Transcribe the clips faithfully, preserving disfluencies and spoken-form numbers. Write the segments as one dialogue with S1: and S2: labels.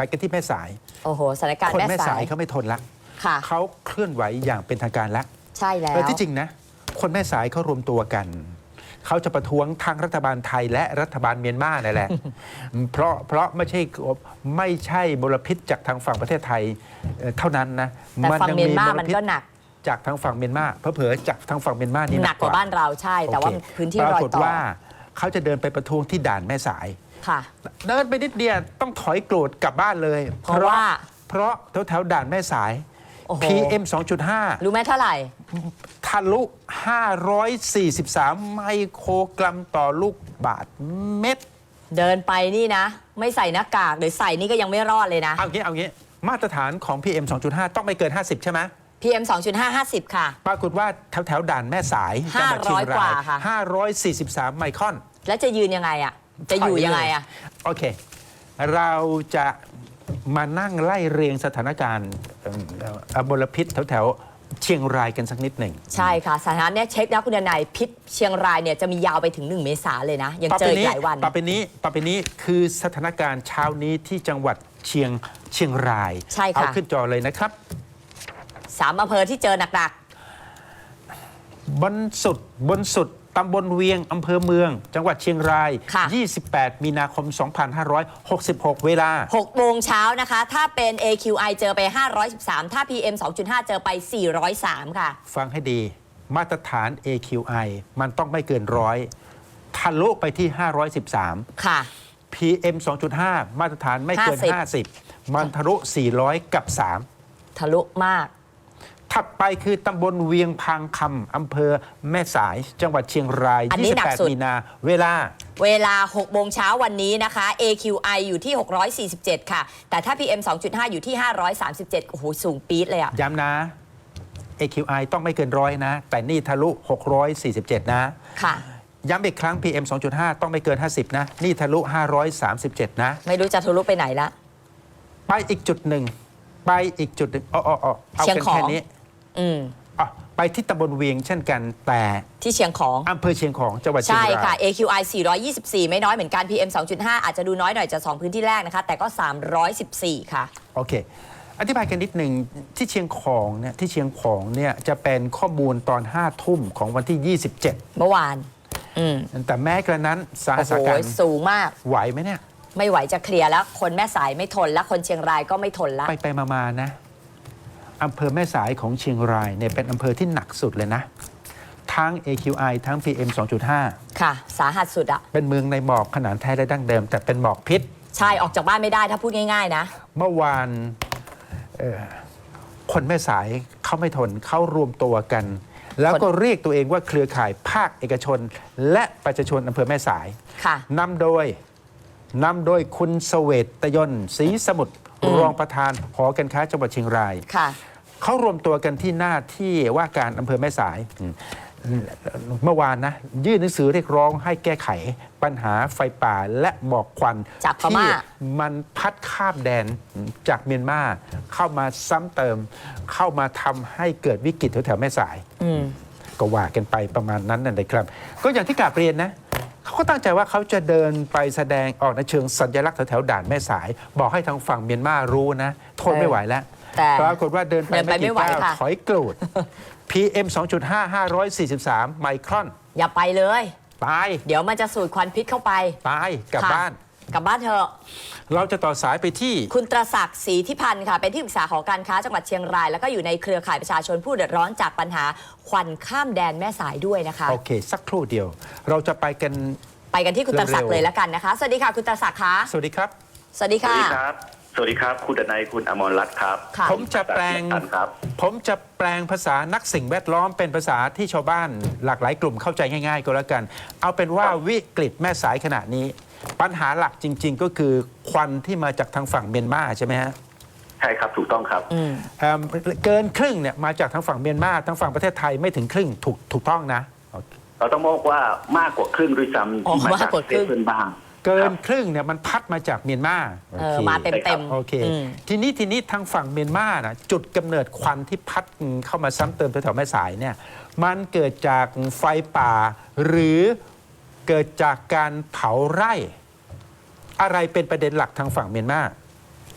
S1: กันที่แม่สาย
S2: โอ้โหสถานการณ์
S1: คน
S2: แม่
S1: แม่
S2: สา
S1: สาย
S2: ย
S1: เขาไม่ทนละ
S2: ค่ะ
S1: เขาเคลื่อนไหวอย่างเป็นทางการแล้ว
S2: ใช่แล้ว
S1: แล้วที่จริงนะคนแม่สายเขารวมตัวกันเขาจะประท้วงทางรัฐบาลไทยและรัฐบาลเมียนมานั่นแหละ เพราะเพราะไม่ใช่ไม่ใช่มลพิษจากทางฝั่งประเทศไทยเท่านั้นนะ
S2: แต่ฝั่งเมียนมามันก็หนัก
S1: จากทางฝั่งเมียนมาเผลอๆจากทางฝั่งเมียนมานี่
S2: หนักกว่าบ้านเราใช่แต่ว่าพื้นที่
S1: ป
S2: ร
S1: รา
S2: อย
S1: กฏ
S2: ต่อ
S1: ว่าเขาจะเดินไปประท้วงที่ด่านแม่สาย
S2: ค่ะ
S1: เดินไปนิดเดียวต้องถอยโกรธกลับบ้านเลย
S2: เพราะว่า
S1: เพราะแถวแถวๆด่านแม่สาย
S2: โอ้โห
S1: พี เอ็ม สองจุดห้า
S2: รู้ไหมเท่าไหร่
S1: ทะลุ ห้าร้อยสี่สิบสาม ไมโครกรัมต่อลูกบาทเม็ด
S2: เดินไปนี่นะ ไม่ใส่หน้ากากหรือใส่นี่ก็ยังไม่รอดเลยนะ
S1: เอางี้เอางี้มาตรฐานของ พี เอ็ม สองจุดห้า ต้องไม่เกิน ห้าสิบ ใช่ไหม
S2: พี เอ็ม สองจุดห้า ห้าสิบ ค่ะ
S1: ปรากฏว่าแถวแถวๆด่านแม่สายจังหวัดเชียง
S2: ห้าร้อยก
S1: รา
S2: ว่าย ค่ะ
S1: ห้าร้อยสี่สิบสาม ไมครอน
S2: แล้วจะยืนยังไงอ่ะ จะอยู่ยังไงอ่ะ
S1: โอเค เราจะมานั่งไล่เรียงสถานการณ์เอ่อมลพิษแถวแถวๆเชียงรายกันสักนิดหนึ่ง
S2: ใช่ค่ะสถานะเนี่ยเช็คแล้วคุณนายพิษเชียงรายเนี่ยจะมียาวไปถึงหนึ่งเมษาเลยนะ ยังเจออีกหลายวัน
S1: ต่อไปนี้ต่อไปนี้คือสถานการณ์เช้านี้ที่จังหวัดเชียงเชียงราย
S2: ใช่ค่ะ
S1: เอาขึ้นจอเลยนะครับ
S2: สามอำเภอที่เจอหนัก
S1: บนสุดบนสุดตำบลเวียงอำเภอเมือง จังหวัดเชียงราย
S2: ค่ะ
S1: ยี่สิบแปด มีนาคม สองพันห้าร้อยหกสิบหก เวลา
S2: ๆหกโมงเช้านะคะ ถ้าเป็น เอ คิว ไอ เจอไป ห้าร้อยสิบสาม ถ้า พี เอ็ม สองจุดห้า เจอไป สี่ร้อยสาม ค่ะ
S1: ฟังให้ดีมาตรฐาน เอ คิว ไอ มันต้องไม่เกินร้อยทะลุไปที่ ห้าร้อยสิบสาม
S2: ค่ะ
S1: พี เอ็ม สองจุดห้า มาตรฐานไม่เกิน
S2: ห้าสิบ
S1: ห้าสิบ มันทะลุ สี่ร้อย กับ สาม
S2: ทะลุมาก
S1: ถัดไปคือตำบลเวียงพังคำอำเภอแม่สาย จังหวัดเชียงราย
S2: อันนี้หนักสุด
S1: ยี่สิบแปด มีนา เวลา
S2: เวลาหกโมงเช้าวันนี้นะคะ เอ คิว ไอ อยู่ที่ หกร้อยสี่สิบเจ็ด ค่ะ แต่ถ้า พี เอ็ม สองจุดห้า อยู่ที่ ห้าร้อยสามสิบเจ็ด โอ้โห สูงปี๊ดเลยอะ
S1: ย้ำนะ เอ คิว ไอ ต้องไม่เกินร้อยนะ แต่นี่ทะลุ หกร้อยสี่สิบเจ็ด นะ
S2: ค่ะ
S1: ย้ำอีกครั้ง พี เอ็ม สองจุดห้า ต้องไม่เกิน ห้าสิบ นะ นี่ทะลุ ห้าร้อยสามสิบเจ็ด นะ
S2: ไม่รู้จะทะลุไปไหนละ
S1: ไปอีกจุดหนึ่ง ไปอีกจุดหนึ่งอ๋ออ๋ออ๋อเอา
S2: เชียง
S1: กัน
S2: ของ
S1: แค่นี้
S2: อืม
S1: อ๋อไปที่ตำบลเวียงเช่นกัน แต่
S2: ที่เชียงของ
S1: อำเภอเชียงของ จังหวัดเชียง
S2: ใช่
S1: ราย
S2: ค่ะ เอ คิว ไอ สี่ร้อยยี่สิบสี่ ไม่น้อยเหมือนกัน พี เอ็ม สองจุดห้า อาจจะดูน้อยหน่อยจากสองพื้นที่แรกนะคะ แต่ก็ สามร้อยสิบสี่ ค่ะ
S1: โอเค อธิบายกันนิดหนึ่งที่เชียงของเนี่ยที่เชียงของเนี่ยจะเป็นข้อมูลตอนห้าทุ่มของวันที่ ยี่สิบเจ็ด
S2: เมื่อวาน อืม
S1: แต่แม้กระนั้นสา
S2: โอ้
S1: หัส
S2: โห
S1: การณ์
S2: สูงมาก
S1: ไหวไหมเนี่ย
S2: ไม่ไหวจะเคลียร์แล้ว คนแม่สายไม่ทนแล้ว คนเชียงรายก็ไม่ทนแล้ว
S1: ไปไปมามานะอำเภอแม่สายของเชียงรายเนี่ยเป็นอำเภอที่หนักสุดเลยนะ ทั้ง เอ คิว ไอ ทั้ง พี เอ็ม สองจุดห้า
S2: ค่ะ สาหัสสุดอะ
S1: เป็นเมืองในหมอกขนาดแท้และดั้งเดิม แต่เป็นหมอกพิษ
S2: ใช่ ออกจากบ้านไม่ได้ถ้าพูดง่ายๆนะ
S1: เมื่อวานเอ่อคนแม่สายเขาไม่ทนเขารวมตัวกัน แล้วก็เรียกตัวเองว่าเครือข่ายภาคเอกชน และประชาชนอำเภอแม่สาย
S2: ค่ะ
S1: นำโดยนำโดยคุณเสเวตตยนต์ศรีสมุทร
S2: อืม
S1: รองประธานหอการค้าจังหวัดเชียงราย
S2: ค่ะ
S1: เขารวมตัวกันที่หน้าที่ว่าการอำเภอแม่สายอืมเมื่อวานนะยื่นหนังสือเรียกร้องให้แก้ไขปัญหาไฟป่าและหมอกควัน
S2: จากพม่า
S1: ที่มันพัดข้ามแดนจากเมียนมาเข้ามาซ้ำเติม เข้ามาทำให้เกิดวิกฤตแถวๆแม่สาย
S2: อืม
S1: ก็ว่ากันไปประมาณนั้นนั่นเลยครับ ก็อย่างที่กราบเรียนนะเขาก็ตั้งใจว่าเขาจะเดินไปแสดงออกในเชิงสัญลักษณ์แถวๆด่านแม่สาย บอกให้ทางฝั่งเมียนมารู้นะทนไม่ไหวแล้ว
S2: แต่
S1: ปรากฏว่าเดินไป
S2: เดินไป
S1: ไม่
S2: ไม่
S1: กี่
S2: ไหว
S1: ก้าว
S2: ค่ะ
S1: ถอยกรูด พี เอ็ม สองจุดห้า ห้าร้อยสี่สิบสาม ไมครอน
S2: อย่าไปเลย
S1: ตาย
S2: เดี๋ยวมันจะสูดควันพิษเข้าไป
S1: ตายกลับ
S2: ค่ะ
S1: บ้าน
S2: กลับบ้านเถอะ
S1: เราจะต่อสายไปที่
S2: คุณตรศักดิ์ศรีทิพันธ์ค่ะ เป็นที่ปรึกษาหอการค้าจังหวัดเชียงราย แล้วก็อยู่ในเครือข่ายประชาชนผู้เดือดร้อนจากปัญหาควันข้ามแดนแม่สายด้วยนะคะ
S1: โอเค สักครู่เดียว เราจะไปกัน
S2: ไปกันที่คุณตรศักดิ์
S1: เร็วๆ
S2: เลยแล้วกันนะคะ สวัสดีค่ะคุณตรศักดิ์คะ
S1: สวัสดีครับ
S2: สวัสดี
S3: สวั
S2: ค่ะ
S3: สดีครับ สวัสดีครับ คุณดนัย คุณอมรรัตน์ครับ
S2: ค่ะ
S1: ผมจะแปลง
S3: ท่านครับ
S1: ผมจะแปลงภาษานักสิ่งแวดล้อมเป็นภาษาที่ชาวบ้านหลากหลายกลุ่มเข้าใจง่ายๆ ก็แล้วกัน เอาเป็นว่าวิกฤตแม่สายขณะนี้ ปัญหาหลักจริง ๆ ก็คือควันที่มาจากทางฝั่งเมียนมาใช่ไหมฮะ
S3: ใช่ครับ ถูกต้องครับ
S2: อืม
S1: เอิ่มเกินครึ่งเนี่ยมาจากทางฝั่งเมียนมาทางฝั่งประเทศไทยไม่ถึงครึ่งถูกถูกต้องนะ
S3: เราต้องบอกว่ามากกว่าครึ่งด้วยซ้ำ
S2: อ๋อ
S3: ที่มาจาก
S2: มากกว่า
S3: ป
S2: ครึ่
S3: ระเทศ
S2: ง
S3: เพื่อนบ้าง
S1: เกิ
S3: ครั
S1: น
S3: บ
S1: ครึ่งเนี่ยมันพัดมาจากเมียนมา
S2: เออมาเต็มเต็ม
S1: โอเค
S2: อืม
S1: ทีนี้ทีนี้ทางฝั่งเมียนมานะจุดกำเนิดควันที่พัดเข้ามาซ้ำเติมแถวๆแม่สายเนี่ยมันเกิดจากไฟป่า หรือเกิดจากการเผาไร่ อะไรเป็นประเด็นหลักทางฝั่งเมียนมา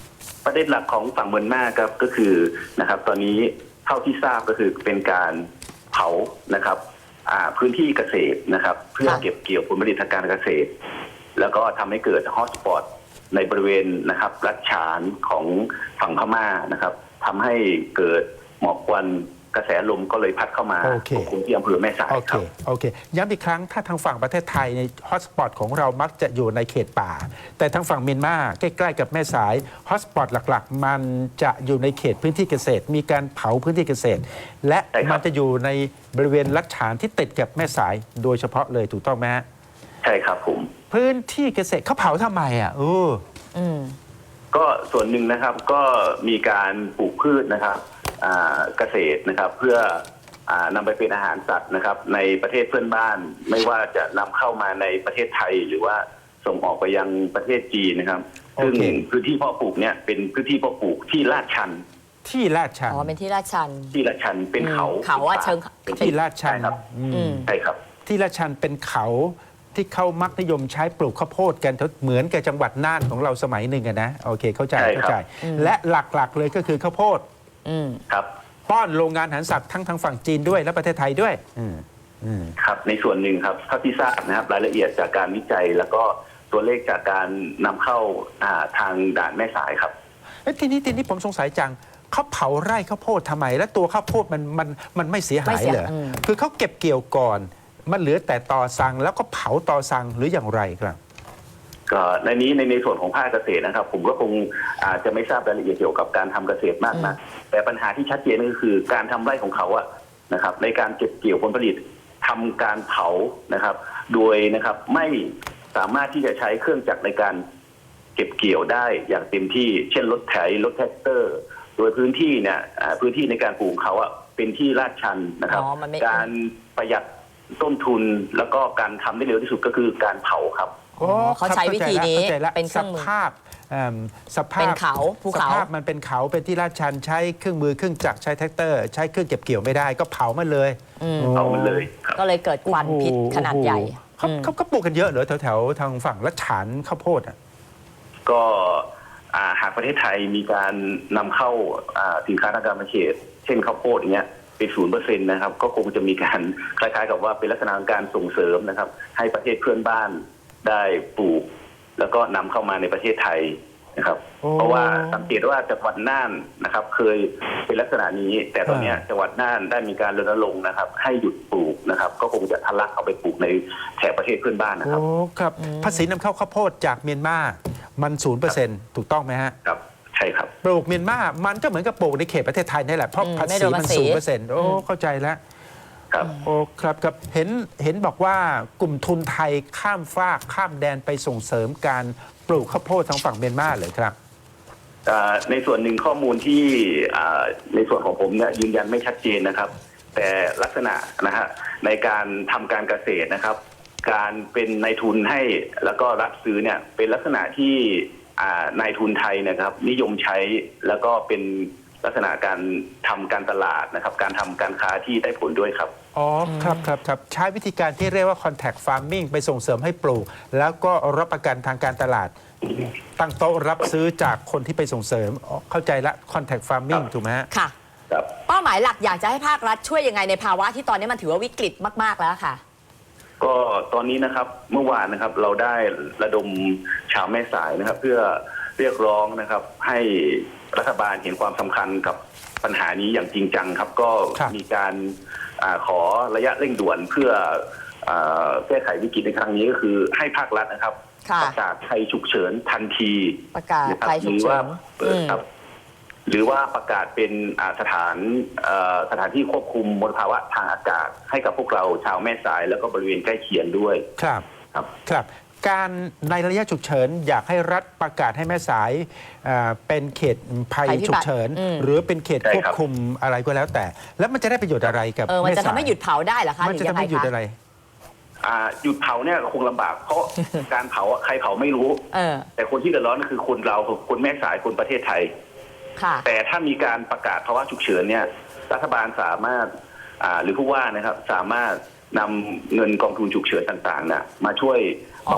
S3: ประเด็นหลักของฝั่งเมียนมาครับก็คือนะครับตอนนี้เท่าที่ทราบก็คือเป็นการเผานะครับอ่าพื้นที่เกษตรนะครับเพื่อ
S2: ค่ะ
S3: เก็บเกี่ยวผลผลิตทางการเกษตร แล้วก็ทำให้เกิดฮอตสปอตในบริเวณนะครับรัฐฉานของฝั่งพม่านะครับทำให้เกิดหมอกควันกระแสลมก็เลยพัดเข้ามา
S1: โอเค
S3: ปกคลุมที่อำเภอแม่สาย
S1: โอ
S3: ค
S1: เครับ โอเคย้ำอีกครั้งถ้าทางฝั่งประเทศไทยในฮอตสปอตของเรามักจะอยู่ในเขตป่า แต่ทางฝั่งเมียนมาใกล้ๆกับแม่สายฮอตสปอตหลักๆ มันจะอยู่ในเขตพื้นที่เกษตร มีการเผาพื้นที่เกษตร และ
S3: ใช่ครับ
S1: มันจะอยู่ในบริเวณลัดฉานที่ติดกับแม่สายโดยเฉพาะเลยถูกต้องไหมฮะ
S3: ใช่ครับผม
S1: พื้นที่เกษตรเขาเผาทำไมอ่ะเออ
S2: อืม
S3: ก็ส่วนหนึ่งนะครับก็มีการปลูกพืชนะครับอ่าเกษตรนะครับเพื่ออ่านำไปเป็นอาหารสัตว์นะครับในประเทศเพื่อนบ้าน ไม่ว่าจะนำเข้ามาในประเทศไทย หรือว่าส่งออกไปยังประเทศจีนนะครับ
S1: โอ
S3: ซึ่ง
S1: เค
S3: พื้นที่เพาะปลูกเนี่ยเป็นพื้นที่เพาะปลูกที่ลาดชัน
S1: ที่ลาดชัน
S2: อ๋อ เป็นที่ลาดชัน
S3: ที่ลาดชันเป็นเขา
S2: อืมเขาอะเชิง
S3: เป็น
S1: ที่ลาดชัน
S3: ใครับ
S1: อืม
S2: อืม
S3: ใช่ครับ
S1: ที่ลาดชันเป็นเขาที่เขามักนิยมใช้ปลูกข้าวโพดกันเหมือนกับจังหวัดน่านของเราสมัยหนึ่งอะนะโอเคเข้าใจ
S3: ใช่ครับ
S1: เข้าใจ และหลักๆเลยก็คือข้าวโพด
S2: อืม
S3: ครับ
S1: ป้อนโรงงานอาหารสัตว์ทั้งทางฝั่งจีนด้วยและประเทศไทยด้วย อืมอืม
S3: ครับในส่วนหนึ่งครับเท่าที่ทราบนะครับรายละเอียดจากการวิจัย แล้วก็ตัวเลขจากการนำเข้าอ่าทางด่านแม่สายครับ
S1: เอ้ยทีนี้ทีนี้ผมสงสัยจังเขาเผาไร่ข้าวโพดทำไม และตัวข้าวโพดมันมันมันไม่เสียหา
S2: ไม่
S1: ย
S2: เสีย
S1: เหรอ
S2: อืม
S1: คือเขาเก็บเกี่ยวก่อน มันเหลือแต่ตอสังแล้วก็เผาตอสังหรืออย่างไรครับ
S3: ก็ในนี้ในในส่วนของภาคเกษตรนะครับ ผมก็คงอาจจะไม่ทราบรายละเอียดเกี่ยวกับการทำเกษตรมากนะแต่ปัญหาที่ชัดเจนก็คือการทำไร่ของเขาอะนะครับ ในการเก็บเกี่ยวผลผลิตทำการเผานะครับ โดยนะครับไม่สามารถที่จะใช้เครื่องจักรในการเก็บเกี่ยวได้อย่างเต็มที่ เช่นรถไถรถแท็กเตอร์ โดยพื้นที่เนี่ยอ่าพื้นที่ในการปลูกของเขาอะเป็นที่ลาดชันนะครับ
S2: อ๋อมันไม่
S3: การประหยัดต้นทุนแล้วก็การทำได้เร็วที่สุดก็คือการเผาครับ
S1: โอ้
S2: เขา
S1: ครับ
S2: ใช้วิธีนี้
S1: เข้าใจละ
S2: เป็นเค
S1: ส
S2: รื่องมือ
S1: ภาพเอิ่มสภาพ
S2: เป็นเขาภูเขา
S1: สภาพมันเป็นเขาเป็นที่ลาดชันใช้เครื่องมือเครื่องจักรใช้แท็กเตอร์ ใช้เครื่องเก็บเกี่ยวไม่ได้ก็เผามันเลย
S2: อืม
S1: โอ้
S3: เอามันเลยครับ
S2: ก็เลยเกิดควันพิษขนาดใหญ่
S1: เขา
S2: อืม
S1: เขาเขาปลูกกันเยอะเหรอแถวๆทางฝั่งลัดฉานข้าวโพดอ่ะ
S3: ก็อ่าหากประเทศไทยมีการนำเข้าอ่าสินค้าทางการเกษตรเช่นข้าวโพดอย่างเงี้ยเป็นศูนย์เปอร์เซ็นต์นะครับก็คงจะมีการคล้ายๆกับว่าเป็นลักษณะของการส่งเสริมนะครับ ให้ประเทศเพื่อนบ้านได้ปลูก แล้วก็นำเข้ามาในประเทศไทยนะครับ
S1: โอ้
S3: เพราะว่าสังเกตว่าจังหวัดน่านนะครับ เคยเป็นลักษณะนี้ แต่ตอนเนี้ย
S1: อ่า
S3: จังหวัดน่านได้มีการรณรงค์นะครับ ให้หยุดปลูกนะครับ ก็คงจะทะลักเอาไปปลูกในแถบประเทศเพื่อนบ้านนะครับ
S1: โอ้ครับภาษีนำเข้าข้าวโพดจากเมียนมามันศูนย์เปอร์เซ็นต์ถูกต้องไหมฮะ
S3: ครับใช่ครับ
S1: ปลูกเมียนมามันก็เหมือนกับปลูกในเขตประเทศไทยนี่แหละเพราะ
S2: อืม
S1: ภา
S2: ไม่
S1: ษี
S2: โดน
S1: มั
S2: ภาน ษี
S1: ศูนย์เปอร์เซ็นต์โอ้เข้าใจแล้ว
S3: ครับ
S1: โอ้ครับครับเห็นเห็นบอกว่ากลุ่มทุนไทยข้ามฟากข้ามแดนไปส่งเสริมการปลูกข้าวโพดทางฝั่งเมียนมาเลยครับ
S3: อ่าในส่วนหนึ่งข้อมูลที่อ่าในส่วนของผมเนี่ยยืนยันไม่ชัดเจนนะครับ แต่ลักษณะนะฮะในการทำการเกษตรนะครับ การเป็นนายทุนให้แล้วก็รับซื้อเนี่ยเป็นลักษณะที่อ่านายทุนไทยนะครับ นิยมใช้แล้วก็เป็นลักษณะการทำการตลาดนะครับ การทำการค้าที่ได้ผลด้วยครับ
S1: อ๋อครับครับครับใช้วิธีการที่เรียกว่า contact farming ไปส่งเสริมให้ปลูก แล้วก็รับประกันทางการตลาด ตั้งโต๊ะรับซื้อจากคนที่ไปส่งเสริมอ๋อเข้าใจละ contact farming
S3: ครับ
S1: ถูกไหมฮะ
S2: ค่ะ
S3: ครับ
S2: เป้าหมายหลักอยากจะให้ภาครัฐช่วยยังไงในภาวะที่ตอนนี้มันถือว่าวิกฤตมากๆแล้วค่ะ
S3: ก็ตอนนี้นะครับเมื่อวานนะครับเราได้ระดมชาวแม่สายนะครับ เพื่อเรียกร้องนะครับ ให้รัฐบาลเห็นความสำคัญกับปัญหานี้อย่างจริงจังครับ ก็
S1: ครับ
S3: มีการอาขอระยะเร่งด่วนเพื่ออาแก้ไขวิกฤตในครั้งนี้ก็คือให้ภาครัฐนะครับ
S2: ค่ะ
S3: ประกาศภัยฉุกเฉินทันที
S2: ประกาศ
S3: นะครับ
S2: ภัยฉุกเฉิน
S3: หรือว่าเปิดครับ หรือว่าประกาศเป็นอ่าสถานเอ่อสถานที่ควบคุมมลภาวะทางอากาศ ให้กับพวกเราชาวแม่สายแล้วก็บริเวณใกล้เคียงด้วย
S1: ครับ
S3: ครับ
S1: ครับ การในระยะฉุกเฉินอยากให้รัฐประกาศให้แม่สายเอ่อเป็นเขตภัย
S2: ภัยพิบัติ
S1: ฉุกเฉิน
S2: อืม
S1: หรือเป็นเขต
S3: ใช่
S1: ควบ
S3: ครับ
S1: คุมอะไรก็แล้วแต่ แล้วมันจะได้ประโยชน์อะไรกับ
S2: เออมันจะ
S1: แสา
S2: ทำให้หยุดเผาได้เหรอคะห
S1: มัน
S2: รือ
S1: จะ
S2: ยั
S1: ทำ
S2: งไง
S1: ให้หยุด
S2: คะ
S1: อะไร
S3: อ่าหยุดเผาเนี่ยคงลำบากเพราะ การเผาอะใครเผาไม่รู้
S2: เออ
S3: แต่คนที่เดือดร้อนก็คือคนเราคนแม่สายคนประเทศไทย
S2: ค่ะ
S3: แต่ถ้ามีการประกาศภาวะฉุกเฉินเนี่ยรัฐบาลสามารถอ่าหรือผู้ว่านะครับสามารถนำเงินกองทุนฉุกเฉินต่างๆน่ะมาช่วยบำบัด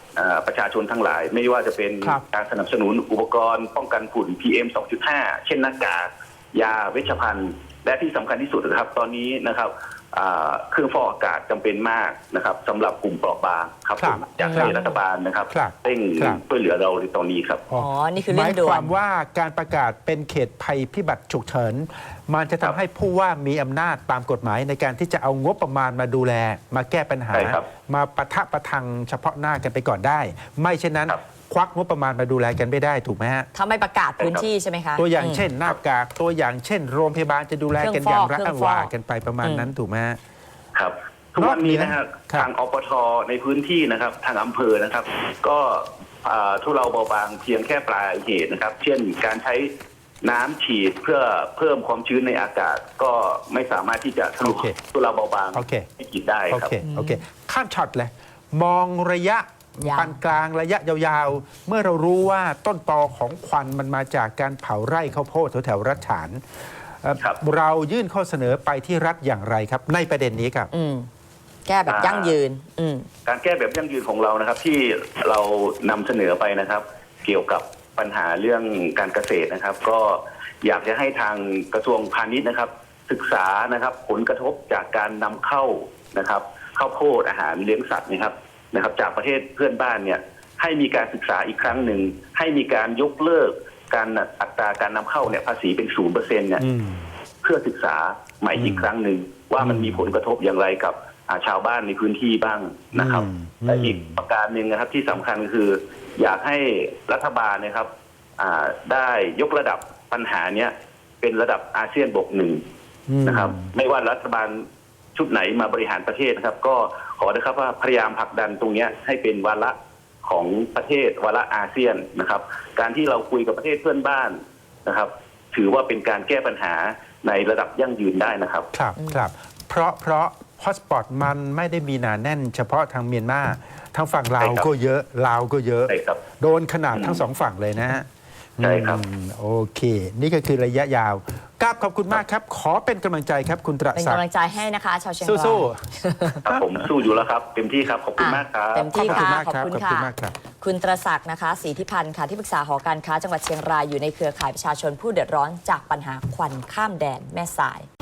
S3: อ่าประชาชนทั้งหลาย ไม่ว่าจะเป็น
S1: ครับ
S3: การสนับสนุนอุปกรณ์ป้องกันฝุ่น พี เอ็ม สองจุดห้า เช่นหน้ากากยาเวชภัณฑ์ และที่สำคัญที่สุดนะครับ ตอนนี้นะครับอ่าเครื่องฟอกอากาศจำเป็นมากนะครับสำหรับกลุ่มเปราะบางครับ
S1: ครับ
S3: ผมอยากให้รัฐบาลนะครับ
S1: ครับ
S3: เร่ง
S1: ครับ
S3: ช่วยเหลือเราในตอนนี้ครับ
S2: อ๋อ นี่คือ
S1: ห
S2: เรื่อ
S1: มาง ย
S2: ด่
S1: คว วาน มว่าการประกาศเป็นเขตภัยพิบัติฉุกเฉินมันจะ
S3: ครั
S1: ทำ
S3: บ
S1: ให้ผู้ว่ามีอำนาจตามกฎหมายในการที่จะเอางบประมาณมาดูแล มาแก้ปัญหา
S3: ใช่ครับ
S1: มาปะทะประทังเฉพาะหน้ากันไปก่อนได้ ไม่เช่นนั้น
S3: ครับ
S1: ควักงบประมาณมาดูแลกันไม่ได้ถูกไหมฮะ
S2: ถ้าไม่ประกาศพื้นที่ใช่ไหมคะ
S1: ตัวอย่าง
S2: ม
S1: เช่นหน้ากากตัวอย่างเช่น โรงพยาบาลจะดูแลกันอย่างไร
S2: เครื่องฟอก
S1: ว่ากันไปประมาณนั้นถูกไหมฮะ
S3: ครับทุกวันนี้นะครับ
S1: ครับ
S3: ทางอปทในพื้นที่นะครับทางอำเภอนะครับ ก็อ่าทุเลาเบาบางเพียงแค่ปลายเหตุนะครับ เช่นการใช้น้ำฉีดเพื่อเพิ่มความชื้นในอากาศ ก็ไม่สามารถที่จะทะลุ
S1: โอเค
S3: ทุเลาเบาบาง
S1: โอเค
S3: ให้กิจได้
S1: โอ
S3: ครับ
S1: เค โอเค ข้ามช็อตเลย มองระยะ
S2: ยาว
S1: ปานกลางระยะยาวๆ เมื่อเรารู้ว่าต้นตอของควันมันมาจากการเผาไร่ข้าวโพดแถวๆรัฐฉานเอ่อ
S3: ครับ
S1: เรายื่นข้อเสนอไปที่รัฐอย่างไรครับ ในประเด็นนี้ครับ
S2: อืมแก้แบบยั่งยืน อืม
S3: การแก้แบบยั่งยืนของเรานะครับ ที่เรานำเสนอไปนะครับ เกี่ยวกับปัญหาเรื่องการเกษตรนะครับ ก็อยากจะให้ทางกระทรวงพาณิชย์นะครับ ศึกษานะครับผลกระทบจากการนำเข้านะครับข้าวโพดอาหารเลี้ยงสัตว์นะครับนะครับ จากประเทศเพื่อนบ้านเนี่ยให้มีการศึกษาอีกครั้งหนึ่งให้มีการยกเลิกการอัตราการนำเข้าเนี่ยภาษีเป็นศูนย์เปอร์เซ็นต์เนี่ย
S1: อืม
S3: เพื่อศึกษาใหม่อีกครั้งหนึ่งว่ามันมีผลกระทบอย่างไรกับอ่าชาวบ้านในพื้นที่บ้างนะครับ
S1: อืม
S3: และอีกประการหนึ่งนะครับที่สำคัญคือ อยากให้รัฐบาลนะครับอ่าได้ยกระดับปัญหาเนี้ยเป็นระดับอาเซียนบวกหนึ่ง
S1: อืม
S3: นะครับ ไม่ว่ารัฐบาลชุดไหนมาบริหารประเทศนะครับ ก็ขอนะครับว่าพยายามผลักดันตรงเนี้ยให้เป็นวาระของประเทศวาระอาเซียนนะครับ การที่เราคุยกับประเทศเพื่อนบ้านนะครับ ถือว่าเป็นการแก้ปัญหาในระดับยั่งยืนได้นะครับ
S1: ครับครับ เพราะเพราะฮอตสปอตมันไม่ได้มีหนาแน่นเฉพาะทางเมียนมาทางฝั่งลาว
S3: ใช่ครับ
S1: ก็เยอะลาวก็เยอะ
S3: ใช่ครับ
S1: โดนขนาดทั้งสองฝั่งเลยนะฮะ
S3: ใช่ครับ
S1: อืมโอเค นี่ก็คือระยะยาวกราบขอบคุณมากครับ ขอเป็นกำลังใจครับคุณตระ
S2: เป็น
S1: ศัก
S2: กำลั
S1: ดิ์
S2: งใจให้นะคะ ชาวเชียงราย
S1: สู้
S3: ครับผมสู้อยู่แล้วครับเต็มที่ครับขอบคุณ
S2: อ่ะ
S3: มากครับ
S2: เต็ม
S1: ๆ ขอบ
S2: ที่
S1: คุณ
S2: ค่ะ
S1: มาก
S2: ขอบ
S1: ครับ
S2: คุณ
S1: ขอบ
S2: ค่ะ
S1: คุณมากครับ
S2: คุณตระศักดิ์นะคะศรีธิพันธ์ค่ะที่ปรึกษาหอการค้าจังหวัดเชียงรายอยู่ในเครือข่ายประชาชนผู้เดือดร้อนจากปัญหาควันข้ามแดนแม่สาย